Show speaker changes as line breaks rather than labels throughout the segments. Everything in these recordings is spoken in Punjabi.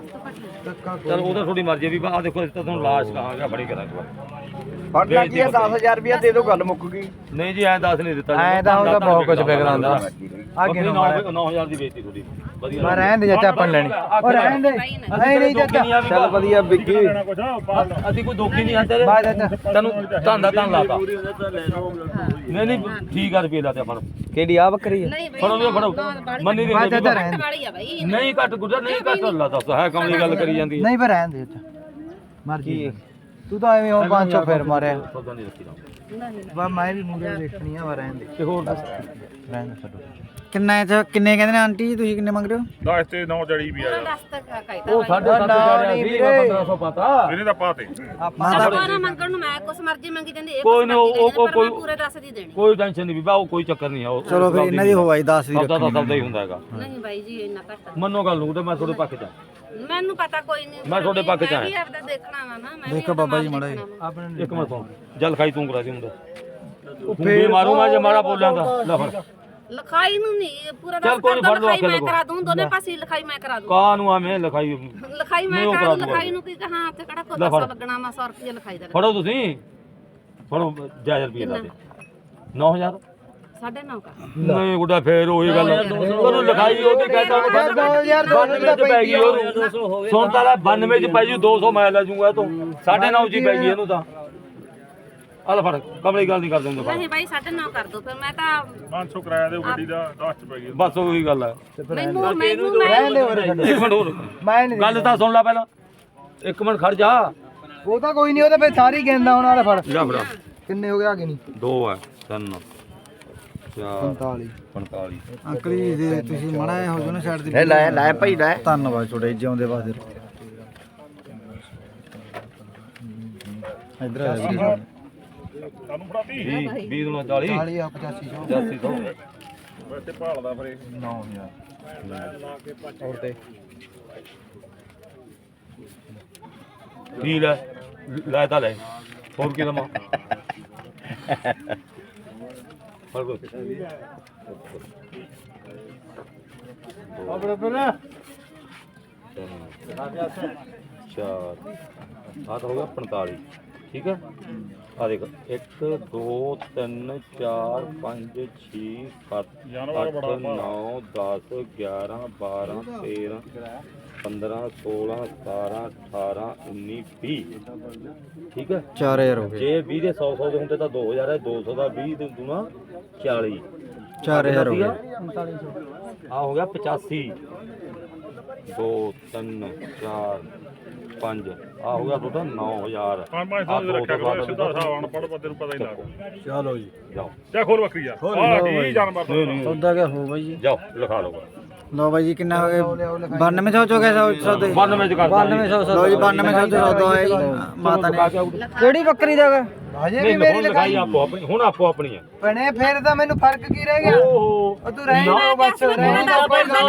ਚਲ ਉਹਦਾ ਥੋੜੀ ਮਰਜ਼ੀ ਵੀ ਆ ਦੇਖੋ ਇਸ ਤਾਂ ਤੁਹਾਨੂੰ ਲਾਸ਼ ਕਹਾਂਗਾ ਬੜੀ ਕਰਾਂਗੇ
ਫੜਨਾ ਕੀ ਹੈ 10000 ਰੁਪਇਆ ਦੇ ਦਿਓ ਗੱਲ ਮੁੱਕ ਗਈ
ਨਹੀਂ ਜੀ ਐ 10 ਨਹੀਂ ਦਿੱਤਾ
ਐ ਤਾਂ ਉਹਦਾ ਬਹੁਤ ਕੁਝ ਵਿਕਦਾ ਹੁੰਦਾ
ਅੱਗੇ 9000 ਦੀ ਵੇਚਤੀ ਥੋੜੀ ਵਧੀਆ
ਮੈਂ ਰਹਿਣ ਦੇ ਚਾਚਾ ਆਪਾਂ ਲੈਣੀ ਉਹ ਰਹਿਣ ਦੇ ਨਹੀਂ ਨਹੀਂ ਚਾਚਾ
ਚੱਲ ਵਧੀਆ ਵਿੱਕੀ
ਅਸੀਂ ਕੋਈ ਦੋਖੀ ਨਹੀਂ ਆਂਦੇ
ਬਾਏ ਚਾਚਾ
ਤੈਨੂੰ ਧੰਦਾ ਤਾਂ ਲਾਤਾ ਨਹੀਂ ਨਹੀਂ ਠੀਕ ਆ ਰੁਪਏ ਲਾਤੇ ਆਪਾਂ
ਕਿਹੜੀ ਆ ਬੱਕਰੀ ਹੈ
ਫੜੋ ਨਹੀਂ ਫੜੋ ਮੰਨੀ ਦੀ
ਵਾਲੀ ਆ ਬਾਈ
ਨਹੀਂ ਘੱਟ ਗੁੱਜਾ ਨਹੀਂ ਘੱਟ ਅੱਲਾ ਦੱਸ ਹੈ ਕਮਲੀ ਗੱਲ ਕਰੀ ਜਾਂਦੀ ਹੈ
ਨਹੀਂ ਪਰ ਰਹਿਣ ਦੇ ਚਾਚਾ ਮਰਜੀ ਤੂੰ ਤਾਂ ਐਵੇਂ ਉਹ 500 ਫੇਰ ਮਾਰਿਆ
ਸੌਦਾ ਨਹੀਂ ਰੱਖੀ ਦਾ
ਵਾ ਮੈਂ ਵੀ ਮੂਰੇ ਦੇਖਣੀ ਆ ਵਾ ਰਹਿਣ ਦੇ
ਤੇ ਹੋਰ ਦੱਸ
ਰਹਿਣ ਦੇ ਛੱਡੋ ਕਿੰਨੇ ਕਹਿੰਦੇ ਨੇ ਆਂਟੀ ਜੀ ਤੁਸੀਂ ਕਿੰਨੇ ਮੰਗ ਰਹੇ ਹੋ
10 ਤੇ 9 ਜੜੀ ਵੀ ਆ
ਦੱਸ ਤੱਕ ਕਾਇਦਾ
ਉਹ 7.5 ਜਾ ਸੀ 1500 ਪਤਾ
ਇਹਨੇ ਤਾਂ ਪਾਤੇ
ਮਾਤਾ ਮੰਗਣ ਨੂੰ ਮੈਂ ਕੁਛ ਮਰਜ਼ੀ ਮੰਗੀ ਜਾਂਦੀ ਇਹ
ਕੋਈ ਨਹੀਂ ਉਹ ਕੋਈ
ਪੂਰੇ 10 ਦੀ ਦੇਣੀ
ਕੋਈ ਟੈਨਸ਼ਨ ਨਹੀਂ ਬੀਬਾ ਉਹ ਕੋਈ ਚੱਕਰ ਨਹੀਂ ਆ ਉਹ
ਚਲੋ ਫਿਰ ਇਹਨਾਂ ਦੀ ਹੋਵਾਈ 10 ਦੀ
ਸੌਦਾ ਤਾਂ ਸੌਦਾ ਹੀ ਹੁੰਦਾ ਹੈਗਾ
ਨਹੀਂ ਬਾਈ ਜੀ ਇੰਨਾ ਘੱਟ
ਮੰਨੋ ਗੱਲ ਨੂੰ ਤੇ ਮੈਂ ਤੁਹਾਡੇ ਪੱਖ 'ਚ
ਮੈਨੂੰ ਪਤਾ ਕੋਈ ਨਹੀਂ
ਮੈਂ ਤੁਹਾਡੇ ਪੱਖ 'ਚ
ਮੈਂ ਵੀ
ਆਇਆ
ਆਪਦਾ ਦੇਖਣਾ ਵਾ ਨਾ ਮੈਂ
ਦੇਖੋ ਬਾਬਾ ਜੀ ਮਾੜਾ ਜੀ
ਆਪਣੇ ਇੱਕ ਮਿੰਟ ਸੁਣ ਜਲ ਖਾਈ ਤੂੰ ਕਰਾ ਦੀ ਮੁੰਡਾ ਉਹ ਫੇਰ ਮਾਰੂ ਮੈਂ ਜੇ ਮਾੜਾ ਬੋਲਿਆ ਤਾਂ ਲੈ ਫੜ
ਲਿਖਾਈ ਨੂੰ ਨਹੀਂ ਪੂਰਾ
ਚੱਲ
10
ਕੋਈ ਨੀ, ਫੜ ਲਓ,
ਲਿਖਾਈ
ਆਖੇ
ਮੈਂ
ਲਗੋ।
ਕਰਾ ਦੂੰ ਦੋਨੇ ਪਾਸੇ ਲਿਖਾਈ ਮੈਂ ਕਰਾ ਦੂੰ
ਕਾ ਨੂੰ ਆਵੇਂ ਲਿਖਾਈ
ਲਿਖਾਈ ਮੈਂ
ਨਹੀਂ, ਉਹ
ਕਰਾ
ਕਰਾ
ਦੂੰ
ਦੂੰਗਾ।
ਲਿਖਾਈ ਨੂੰ ਕੀ ਕਹਾਂ ਤੇ ਕਿਹੜਾ ਕੋਈ
ਲੈ ਫੜ।
100 ਲੱਗਣਾ ਮੈਂ 100 ਰੁਪਏ ਲਿਖਾਈ ਦਾ
ਫੜੋ ਤੁਸੀਂ ਫੜੋ ਜਾਇਜ਼ ਰੁਪਏ ਲਾ ਦੇ 9000
9.5 ਕਰ
ਨਹੀਂ ਗੁੱਡਾ ਫੇਰ ਉਹੀ ਗੱਲ ਉਹਨੂੰ ਲਿਖਾਈ ਉਹਦੀ ਕਹਿੰਦਾ 92 ਚ ਪੈ ਗਈ ਉਹਨੂੰ ਸੁਣ ਤਾਂ ਲੈ 92 ਚ ਪੈ ਜੂ 200 ਮੈਂ ਲੈ ਜੂਗਾ ਤੂੰ 9.5 ਚ ਪੈ ਗਈ ਇਹਨੂੰ ਤਾਂ ਆ ਲੈ ਫੜ ਕਮਲੀ ਗੱਲ ਨਹੀਂ ਕਰ ਦਿੰਦਾ
ਨਹੀਂ ਬਾਈ 9.5 ਕਰ ਦੋ ਫਿਰ ਮੈਂ ਤਾਂ
500 ਕਿਰਾਇਆ ਦੇ ਗੱਡੀ ਦਾ 10 ਚ ਪੈ ਗਈ
ਬਸ ਉਹੀ ਗੱਲ ਹੈ
ਮੈਨੂੰ
ਰਹਿਣ ਦੇ ਉਰੇ ਛੱਡੋ
ਇੱਕ ਮਿੰਟ ਹੋਰ
ਮੈਂ ਨਹੀਂ
ਗੱਲ ਤਾਂ ਸੁਣ ਲੈ ਪਹਿਲਾਂ ਇੱਕ ਮਿੰਟ ਖੜ ਜਾ
ਉਹ ਤਾਂ ਕੋਈ ਨਹੀਂ ਉਹ ਤਾਂ ਫਿਰ ਸਾਰੀ ਗੇਂਦਾ ਹੁਣ ਵਾਲਾ ਫੜ
ਜਾ ਫੜਾ
ਕਿੰਨੇ ਹੋ ਗਏ ਆਗੇ ਨਹੀਂ
2 ਹੈ 3 4
45
45
ਅੰਕਲ ਜੀ ਦੇ ਤੁਸੀਂ ਮੜਾ ਹੋ ਜੋ ਨਾ ਛੱਡ ਦੇ
ਲੈ ਭਾਈ ਲੈ
ਧੰਨਵਾਦ ਤੁਹਾਡੇ ਜਿਉਂਦੇ ਵਾਸਤੇ ਇਧਰ ਆ ਜੀ
ਸਾਨੂੰ ਫੜਾਤੀ
20 ਨੂੰ 40
40 ਆ 85
8500
ਵੈਸੇ ਭਾਲਦਾ ਫਿਰ ਇਹ
9000 ਹੋਰ ਤੇ
ਠੀਕ ਹੈ ਲੈ ਤਾਂ ਲੈ ਹੋਰ ਕੀ ਲਵਾਂ
ਆਪਣੇ ਪਹਿਲਾਂ
4 ਆ ਤਾਂ ਹੋ ਗਿਆ 45 ਠੀਕ ਹੈ ਆ ਦੇਖ 1 2 3 4 5 6 7 8 9 10 11 12 13 15 16 17 18 19 20 ਠੀਕ ਹੈ
4000 ਹੋ ਗਏ
ਜੇ 20 ਦੇ 100 ਦੇ ਹੁੰਦੇ ਤਾਂ 2000 ਹੈ 200 ਦਾ 20 ਦੇ ਦੂਣਾ 40
4000 ਹੋ ਗਏ
ਆ ਹੋ ਗਿਆ 85 2 3 4 5 ਆ ਹੋ ਗਿਆ ਤੁਹਾਡਾ 9000
500 ਦੇ ਰੱਖਿਆ ਕਰੋ ਸਿੱਧਾ ਹਿਸਾਬ ਅਨਪੜ੍ਹ ਬੰਦੇ ਨੂੰ ਪਤਾ ਹੀ ਲੱਗਦਾ
ਚਲੋ ਜੀ
ਜਾਓ
ਜਾ ਖੋਲ ਬੱਕਰੀ ਆ ਆ ਕੀ ਜਾਨਵਰ ਦਾ
ਸੌਦਾ ਕਿਆ ਹੋ ਬਾਈ ਜੀ
ਜਾਓ ਲਿਖਾ ਲਓ
ਲੋ ਬਾਈ ਜੀ ਕਿੰਨਾ ਹੋ ਗਿਆ 9200 ਹੋ ਗਿਆ ਸੌਦੇ
92 ਚ ਕਰ
9200 ਲੋ ਜੀ 9200 ਤੇ ਸੌਦਾ ਹੋਇਆ ਜੀ ਮਾਤਾ ਨੇ ਕਿਹੜੀ ਬੱਕਰੀ ਦਾ ਗਾ ਹਜੇ ਵੀ ਮੇਰੀ
ਲਿਖਾਈ ਆਪੋ ਆਪਣੀ ਹੁਣ ਆਪੋ ਆਪਣੀ ਹੈ
ਭੈਣੇ ਫੇਰ ਤਾਂ ਮੈਨੂੰ ਫਰਕ ਕੀ ਰਹਿ ਗਿਆ ਉਹ ਤੂੰ ਰਹਿ ਨਾ ਬਸ ਰਹਿ ਨਾ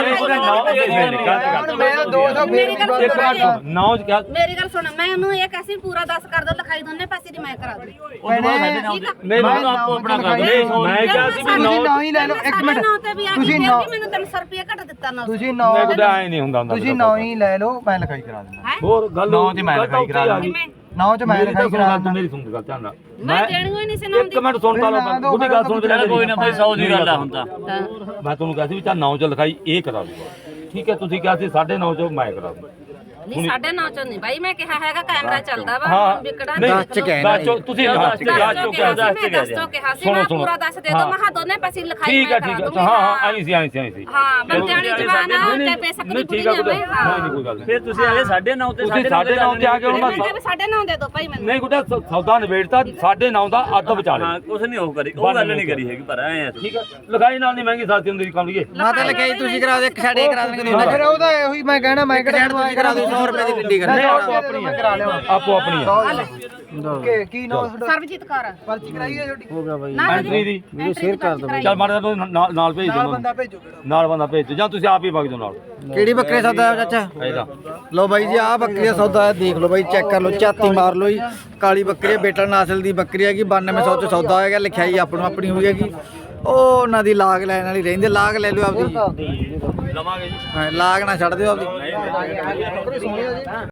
ਮੈਂ 200 ਫੇਰ
ਨੌ ਚ ਕਿਹਾ
ਮੇਰੀ ਗੱਲ ਸੁਣ ਮੈਂ ਉਹਨੂੰ ਇਹ ਕੈਸੀ ਪੂਰਾ 10 ਕਰ ਦੋ ਲਿਖਾਈ ਦੋਨੇ ਪਾਸੇ ਦੀ ਮੈਂ ਕਰਾ ਦੂੰ
ਨਹੀਂ ਮੈਨੂੰ ਆਪੋ ਆਪਣਾ ਕਰ ਦੇ ਮੈਂ ਕਿਹਾ ਸੀ ਵੀ
ਨੌ ਹੀ ਲੈ ਲਓ ਇੱਕ ਮਿੰਟ
ਤੁਸੀਂ ਮੈਨੂੰ 300 ਰੁਪਏ ਘੱਟ ਦਿੱਤਾ ਨਾ
ਤੁਸੀਂ 9
ਮੈਂ ਕੁਦਾ ਐ ਨਹੀਂ ਹੁੰਦਾ
ਤੁਸੀਂ 9 ਹੀ ਲੈ ਲਓ ਮੈਂ ਲਿਖਾਈ ਕਰਾ ਦਿੰਦਾ
ਹੋਰ ਗੱਲ
9 ਤੇ ਮੈਂ ਲਿਖਾਈ ਕਰਾ ਦਿੰਦਾ 9 ਚ ਮੈਂ ਲਿਖਾਈ ਕਰਾ ਦਿੰਦਾ
ਮੇਰੀ ਸੁਣ ਗੱਲ ਧਿਆਨ ਨਾਲ
ਮੈਂ ਦੇਣੀ ਹੋਈ ਨਹੀਂ ਸੀ ਨਾ
ਇੱਕ ਮਿੰਟ ਸੁਣ ਤਾ ਲਓ ਗੁੱਡੀ ਗੱਲ ਸੁਣ ਲੈ ਕੋਈ ਨਾ ਭਾਈ 100 ਦੀ ਗੱਲ ਆ ਹੁੰਦਾ
ਤਾਂ
ਮੈਂ ਤੁਹਾਨੂੰ ਕਿਹਾ ਸੀ ਵੀ ਚਾ 9 ਚ ਲਿਖਾਈ ਇਹ ਕਰਾ ਦੂਗਾ ਠੀਕ ਹੈ ਤੁਸੀਂ ਕਿਹਾ ਸੀ 9.5 ਚ ਮੈਂ ਕਰਾ ਦੂੰਗਾ
ਨਹੀਂ 9.5 ਚ ਨਹੀਂ ਬਾਈ ਮੈਂ ਕਿਹਾ ਹੈਗਾ ਕੈਮਰਾ ਚੱਲਦਾ ਵਾ ਵਿਕੜਾ
ਦੱਸ ਚ ਕਹਿਣਾ
ਤੁਸੀਂ ਦੱਸ ਚ
ਕਿਹਾ ਸੀ ਮੈਂ ਪੂਰਾ ਦੱਸ ਦੇ ਦੋ ਮਹਾ ਦੋਨੇ ਪਾਸੇ ਲਿਖਾਈ
ਠੀਕ ਹੈ ਠੀਕ ਹੈ ਹਾਂ ਹਾਂ ਆਈ ਸੀ
ਹਾਂ ਬੰਦਿਆਣੀ ਜਵਾਨ ਤੇ ਪੈਸਾ
ਨਹੀਂ ਠੀਕ ਹੈ ਨਹੀਂ ਕੋਈ ਗੱਲ
ਫਿਰ ਤੁਸੀਂ ਆਲੇ 9.5 ਤੇ
ਤੁਸੀਂ 9.5 ਤੇ ਆ ਕੇ ਹੁਣ ਮੈਂ
9.5 ਦੇ ਦੋ ਭਾਈ ਮੈਨੂੰ
ਨਹੀਂ ਗੁੱਡਾ ਸੌਦਾ ਨਿਬੇੜਤਾ 9.5 ਦਾ ਅੱਧ ਵਿਚਾਲੇ
ਹਾਂ ਕੁਛ ਨਹੀਂ ਉਹ ਕਰੀ ਉਹ ਗੱਲ ਨਹੀਂ ਕਰੀ ਹੈਗੀ ਪਰ ਐ
ਠੀਕ ਹੈ ਲਿਖਾਈ ਨਾਲ ਨਹੀਂ ਮਹਿੰਗੀ ਸਸਤੀ ਹੁੰਦੀ ਕੰਮ ਲਈਏ
ਮਾਤਾ ਲਿਖਾਈ ਤੁਸੀਂ ਕਰਾ ਦੇ ਇੱਕ ਸਾਡੇ ਕਰਾ ਦੇਣਗੇ ਫਿਰ ਉਹਦਾ ਇਹੀ ਮੈਂ ਕਹਿਣਾ ਮੈਂ ਕਿਹੜਾ ਤੁਸੀਂ ਕਰਾ ਦਿਓ 100 ਰੁਪਏ ਦੀ ਗੱਡੀ ਕਰ
ਆਪੋ ਆਪਣੀ ਕਰਾ ਲਿਓ ਆਪੋ ਆਪਣੀ
ਓਕੇ ਕੀ ਨਾਮ ਤੁਹਾਡਾ
ਸਰਬਜੀਤ ਕੌਰ
ਪਰਚੀ ਕਰਾਈ ਹੈ ਛੋਟੀ ਹੋ ਗਿਆ ਬਾਈ
ਐਂਟਰੀ ਦੀ
ਵੀਡੀਓ ਸ਼ੇਅਰ ਕਰ ਦੋ
ਚੱਲ ਮਾੜਾ ਨਾਲ ਭੇਜ ਦਿਓ
ਬੰਦਾ ਭੇਜੋ
ਨਾਲ ਬੰਦਾ ਭੇਜ ਦਿਓ ਜਾਂ ਤੁਸੀਂ ਆਪ ਹੀ ਵਗ ਜਾਓ ਨਾਲ
ਕਿਹੜੀ ਬੱਕਰੀ ਸੌਦਾ ਹੈ ਚਾਚਾ
ਇਹਦਾ
ਲੋ ਬਾਈ ਜੀ ਆਹ ਬੱਕਰੀ ਦਾ ਸੌਦਾ ਹੈ ਦੇਖ ਲਓ ਬਾਈ ਚੈੱਕ ਕਰ ਲਓ ਝਾਤੀ ਮਾਰ ਲਓ ਜੀ ਕਾਲੀ ਬੱਕਰੀ ਬੇਟਾ ਨਸਲ ਦੀ ਬੱਕਰੀ ਹੈਗੀ 9200 ਚ ਸੌਦਾ ਹੋਏਗਾ ਲਿਖਾਈ ਆਪਣੀ ਹੋਈ ਹੈਗੀ ਉਹ ਉਹਨਾਂ ਦੀ ਲਾਗ ਲੈਣ ਵਾਲੀ ਰਹਿੰਦੇ ਲਾਗ ਲੈ ਲਿਓ ਆਪਦੀ
ਲਵਾਂਗੇ ਜੀ
ਹਾਂ, ਲਾਗ ਨਾ ਛੱਡ ਦਿਓ ਆਪਦੀ
ਨਹੀਂ